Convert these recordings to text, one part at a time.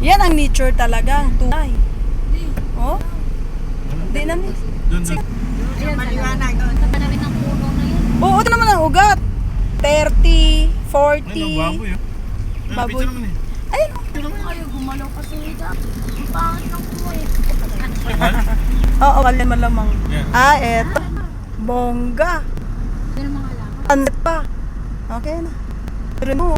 Yan ang nature talaga. Tunay. Oh? Hindi na ni. Ayan, maliwanag. Sa rin ng puno na yun. Oo, ito naman ang ugat. 30, 40. baboy yun. Baboy. Picture naman eh. Ayun. Ayaw gumalaw kasi ang pangit ng kumoy. Oo, malamang. Yan. Ah, eto. Bongga. Yan ang mga alam. Anit pa. Okay na. Pero mo.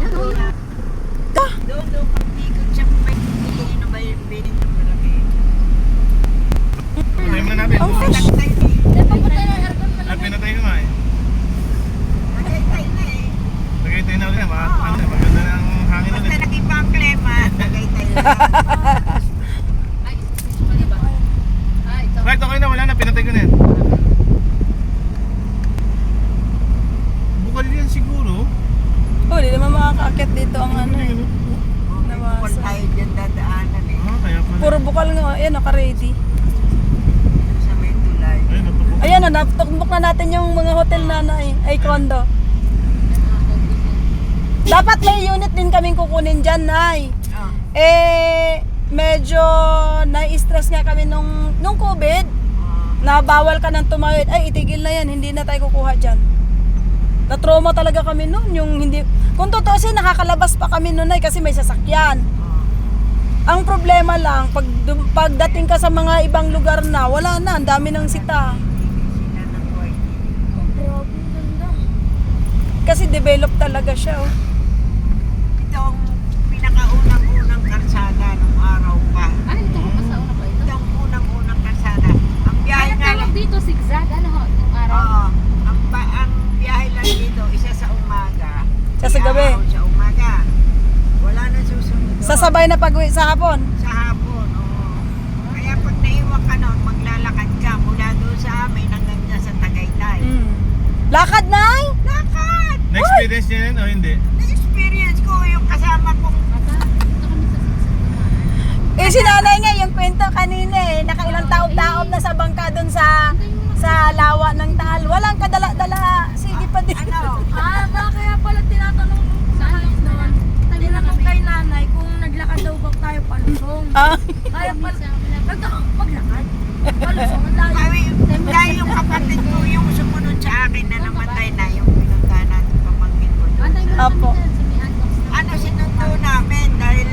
Doon pag-ikot siya may piliin na ba yung biling ng marami. Patayin mo na natin. Ang fresh. Papatay na aircon pala. Ay, pinatay ko nga eh. Nagaytay na eh. Nagaytay na ulit. Maganda na ang hangin Basta ulit. nakipa ang klema, nagaytay na. Ay, mali ba? Ah, ito. Right, okay na. Wala na. Pinatay ko na yan. Bukal yan siguro. Oh, hindi naman makakaakit dito ang ano eh. Bukol tayo dyan dadaanan eh. Ah, kaya pala. Puro bukal nga. Ayan, naka-ready. Sa may tulay. Ayun, napapukal. Ayan na, natukbok na natin yung mga hotel na ay condo. Dapat may unit din kaming kukunin dyan, Nay. Oh. Medyo na-stress nga kami nung COVID. Na bawal ka nang tumawid. Ay, itigil na yan. Hindi na tayo kukuha dyan. Na-trauma talaga kami noon. Yung hindi... Kung totoo siya, nakakalabas pa kami noon ay kasi may sasakyan. Ang problema lang, pagdating ka sa mga ibang lugar na, wala na. Ang dami ng sita. Sila ng boy. Grabe, ganda. Kasi develop talaga siya. Oh. Ito ang pinakaunang-unang kalsada nung araw pa. Ay, ito ko pa sa una pa ito. Ito ang unang-unang kalsada. Ang biyahe Ay, nga tawag lang. dito, zigzag. Ano ho, yung araw? Oo. Ang biyahe lang dito, isa sa umaga. Isa sa gabi. Iaaraw sa umaga. Wala na susunod. Sasabay na pag-uwi sa hapon. Sa hapon, oo. Kaya pag naiwan ka nun, maglalakad ka mula doon sa amin hanggang dyan sa Tagaytay. Lakad, Nay! Lakad! Na-experience niya yan o hindi? Na-experience ko yung kasama kong Mata, ito kami sa zigzag. Si nanay nga, yung kwento kanina nakailang taob-taob na sa bangka doon sa lawa ng Taal. Walang kadala-dala. Sige pa din. ano, Kaya pala tinatanong tinanong kay nanay kung naglakad daw ba tayo palusong. Ah, Kaya pala, maglakad. Palusong, ang layo. dahil yung kapatid ko yung sumunod sa akin na namatay na yung pinunta natin pamangkin ko doon. Antay mo lang Apo. kami dyan sa may handbox na. Ano sinundo namin dahil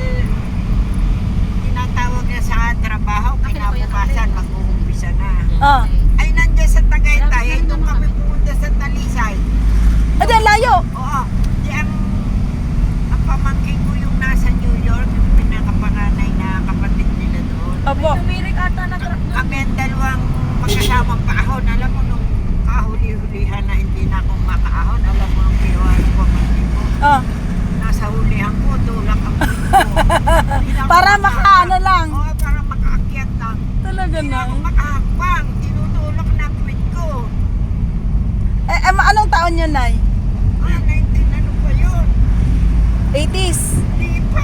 tinatawag na sa trabaho, kinabukasan, mag-uumpisa na. ah. Ay, nandiyan sa Tagaytay, ay doon kami pumunta sa Talisay. Adi, ang layo. Oo, di ang pamangkin ko yung nasa New York, yung pinakapanganay na kapatid nila doon. Opo. Tumirik ata na truck doon. Kami ang dalawang magkasamang paahon. Alam mo, nung kahuli-hulihan na hindi na akong makaahon, alam mo ang ginawa ng pamangkin ko. Ah. Nasa hulihan ko, tulak ang puwit ko. Hindi na ako Para maka- makaano lang. Oo, para makaakyat lang. Talaga Hindi na na. ako makahakbang. Tinutulak na ang puwit ko. Anong taon yun, Nay? 19 ano pa yun? 80s. Hindi pa.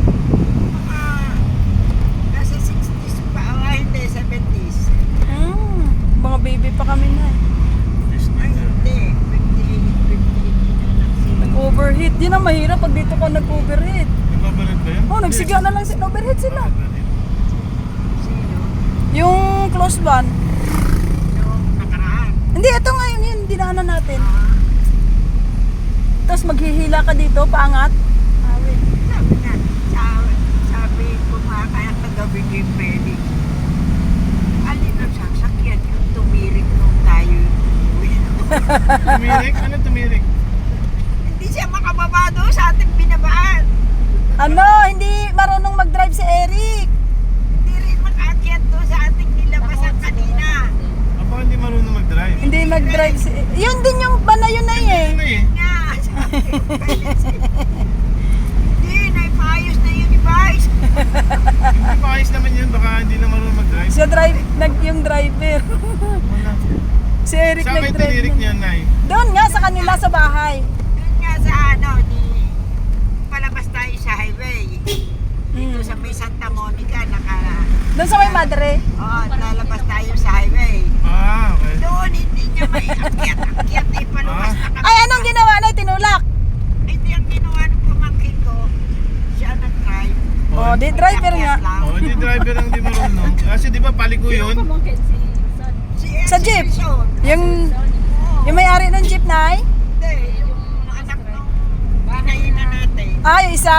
Nasa 60s pa. Hindi, 70s. Mga baby pa kami, Nay. Ay, hindi. 58 na lang sila. Nag-overheat. Yun ang mahirap pag dito ko nag-overheat. Nagbabalit ba yan? Oh, nagsiga na lang overheat sila. Sino? Yung close one. Noong nakaraan. Hindi, ito nga yung dinaanan natin. Ah, Tapos maghihila ka dito, paangat. Awit. sabi na, sabi ko mga kaya kagabi ni Felix, alin ang sasakyan yung tumirik nung tayo uwi. Tumirik? Ano tumirik? Hindi siya makababa doon sa ating binabaan. Ano, hindi marunong mag-drive si Eric. Hindi rin makaakyat doon sa ating nilabasan kanina. Ako hindi marunong mag-drive. Hindi mag-drive si... Yun din yung banayon na eh. Ano eh? Nga, sabi ko, Felix, hindi, naipaayos na yun ni Vice. Hindi pa ayos naman yun. Baka hindi na marunong mag-drive. Siya yung driver. Wala. Si Eric Saan kayo nag-drive. tinirik nun. niyan, Nay? Doon nga sa kanila sa bahay. Doon nga sa palabas tayo sa highway. Dito sa may Santa Monica, Doon sa may madre. lalabas tayo sa highway. Ah, okay. Doon, hindi niya may akyat, paluwas na kami. Ay, anong ginawa na? Tinulak. Hindi ang ginawa ng pamangkin ko, siya nag-drive. Oh, di driver nga. Oh, hindi driver ang di marunong. Kasi di ba paliko yun? Pamangkin si Son. Sa jeep. Edison. Yung may-ari ng jeep, Nay? Hindi, yung anak ng bahay na natin. Ay, isa.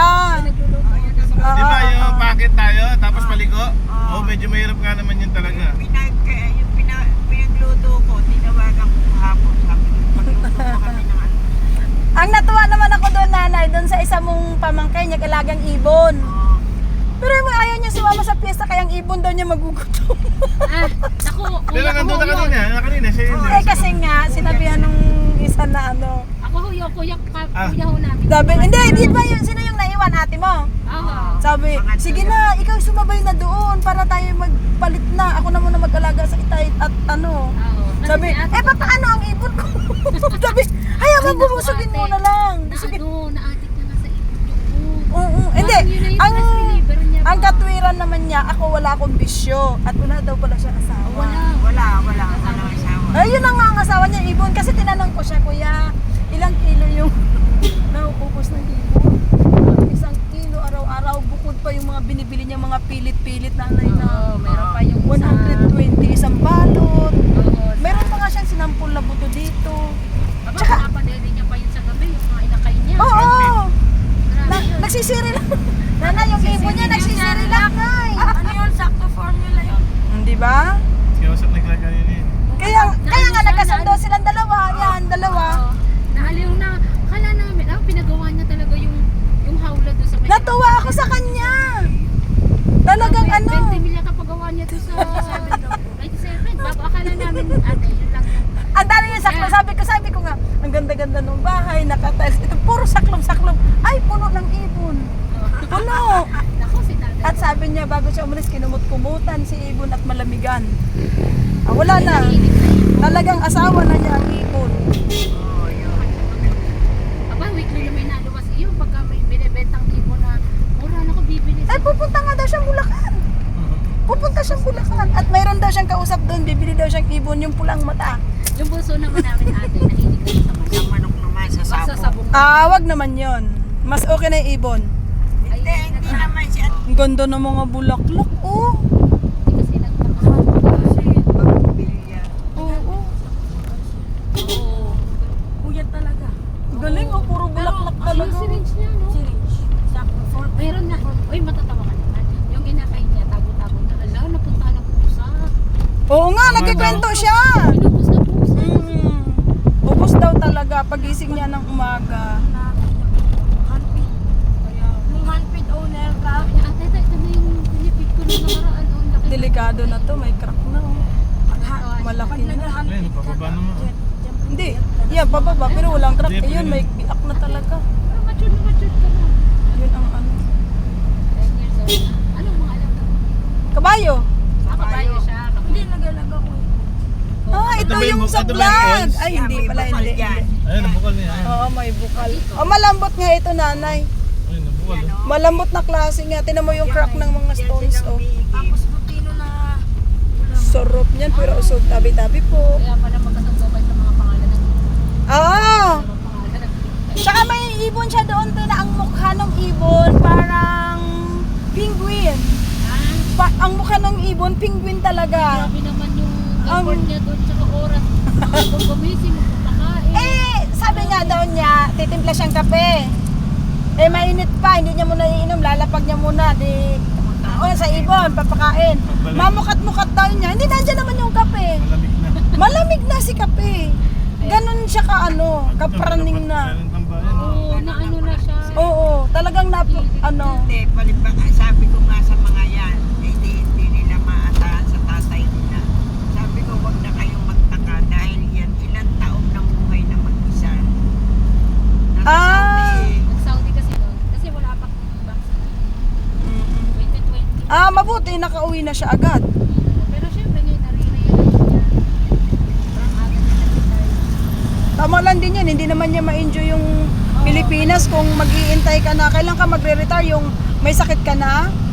Di ba Oo, yung oo. packet tayo, tapos paliko? Oh, medyo mahirap nga naman yun talaga. Pinagluto ko, tinawagan ko hapon. Sabi ko, magluto ko kami ng ano. Ang natuwa naman ako doon, Nanay, doon sa isa mong pamangkay niya, kalagang ibon. Pero yung ayaw niya sumama sa piyesta, kayang ibon daw niya magugutom. Naku, Pero nandun ka kanina, siya yun. Eh kasi nga, sinabihan nung isa na ano. Ako kuya ho namin. Sabi, hindi, di ba yun, sino yung naiwan, ate mo? Oo. Sabi, sige na, ikaw sumabay na doon para tayo magpalit na. Ako na muna mag-alaga sa itay at ano. Oo. Sabi, paano ang ibon ko? Sabi, hayaan mo, bumusugin mo na lang. Busugin. Naadik na nga sa ibon. Oo, hindi. Parang yun na yung Ang, stress reliever niya ang ba? katwiran naman niya, ako wala akong bisyo. At wala daw pala siya asawa. Wala. Wala asawa. Ayun na nga ang asawa niya, ibon. Kasi tinanong ko siya, kuya, ilang kilo yung nauubos ng ibon? 1 kilo araw-araw, bukod pa yung mga binibili niya, mga pilit-pilit na Oo, meron pa yung isa. 120, isang balot. Oo. Meron pa nga siyang sinampul na buto dito. Aba, Tsaka- pinapadeli niya pa yun sa gabi, yung mga inakay niya. Oo! Grabe yun. Nagsisiri lang. Nana, yung ibon niya, nagsisiri lang, Nay. Ano yun? Sakto formula yun. Di ba? Kinausap na kanina yun. Kaya nga nagkasundo silang dalawa. Yan, dalawa. Oo. Naaliw na. Kala namin, pinagawa niya talaga yung hawla doon sa may... Natuwa ako sa kanya. Talagang ano. 20 million kapagawa niya doon sa 97. Bago akala namin, ate, yun lang yung... Ang dami yung saklo. Sabi ko nga, ang ganda-ganda ng bahay, nakatiles. Ito, puro saklom-saklom. Ay, puno ng ibon. Puno. Naku, si tatay. At sabi niya, bago siya umalis, kinumut-kumutan si ibon at malamigan. Wala na. Talagang asawa na niya ang ibon. Aba, weekly na may naluwas iyo. Pagka may binibentang tipo na mura na ko bibili. Ay, pupunta nga daw siyang Bulacan. Pupunta siyang Bulacan. At mayroon daw siyang kausap doon, bibili daw siyang ibon, yung pulang mata. Yung bunso naman namin ate, nahilig na sa manok. Sa manok naman, sa Sa sabong. sabong. Wag naman yon. Mas okay na yung ibon. Hindi naman siya. Ang ganda ng mga bulaklak, oh. Hindi kasi nagpapakasal. Pambilya. Oo. Oo. Kuya talaga. Galing, oh. Puro bulaklak Yung talaga. syringe niya, no? Syringe. Sakto formula. Mayroon na. Uy, matatawa ka naman. Yung inakay niya, tago-tago na. Ala, napunta ng pusa. Oo nga, nagkikwento siya. Pinupos na pusa. Ubus daw talaga pagising niya ng umaga. Handpid. Nung handpid owner ka, Sabi niya, ate, ito na yung pinipid ko na nakaraan. Oh, ang laki. Delikado na to, may crack na. Oh. Malaki pag na. nag-handpid Ayun, pababa naman. Hindi, yan, pababa, pero walang crack. Hindi, Ayun, may biak na talaga. Pero matured ka na. Yun ang ano. 10 years old na. Anong mga alam ka? Kabayo. Kabayo siya. Hindi, nag-alaga ko. Ito ba yung yung- sa ito ba yung vlog. balls? Ay, hindi May pala, bukal hindi. yan. Ayun, nabukal niya. Ayun. Oo, may bukal. Malambot nga ito, nanay. Ayun, nabukal. Oh. Malambot na klase nga. Tinan mo yung crack ng mga stones, oh. Tapos butino na Sarap niyan, pero usog tabi-tabi po. Kaya pala magkasagabay sa mga pangalan ng Oo! mga pangalan ng Tsaka may ibon siya doon, na ang mukha ng ibon parang penguin. Ang mukha ng ibon, penguin talaga. Grabe naman yung Ang- effort niya doon tsaka oras. Kung gumising, magpapakain. Sabi nga daw niya, titimpla siyang kape. Mainit pa, hindi niya muna iinom, lalapag niya muna, sa ibon, papakain. Mamukat-mukat daw niya, hindi nandiyan naman yung kape. Malamig na. Malamig na si kape. Ganon siya kapraning na. Meron pang bayan. Oo, na ano na siya. Oo, talagang Hindi, sabi ko nga sa mga yan, hindi nila maasahan sa tatay nila. Sabi ko, wag na kayong magtaka dahil yan, ilang taon na buhay na mag-isa. Nasa Saudi, Nag-Saudi kasi doon. Kasi wala pa vaccine. 2020. mabuti, nakauwi na siya agad. Pero syempre ngayon, nare-realize niya. Parang agad na nag-retire. Tama lang din yan, hindi naman niya ma-enjoy yung Pilipinas kung mag-iintay ka na. Kailan ka magre-retire, yung may sakit ka na,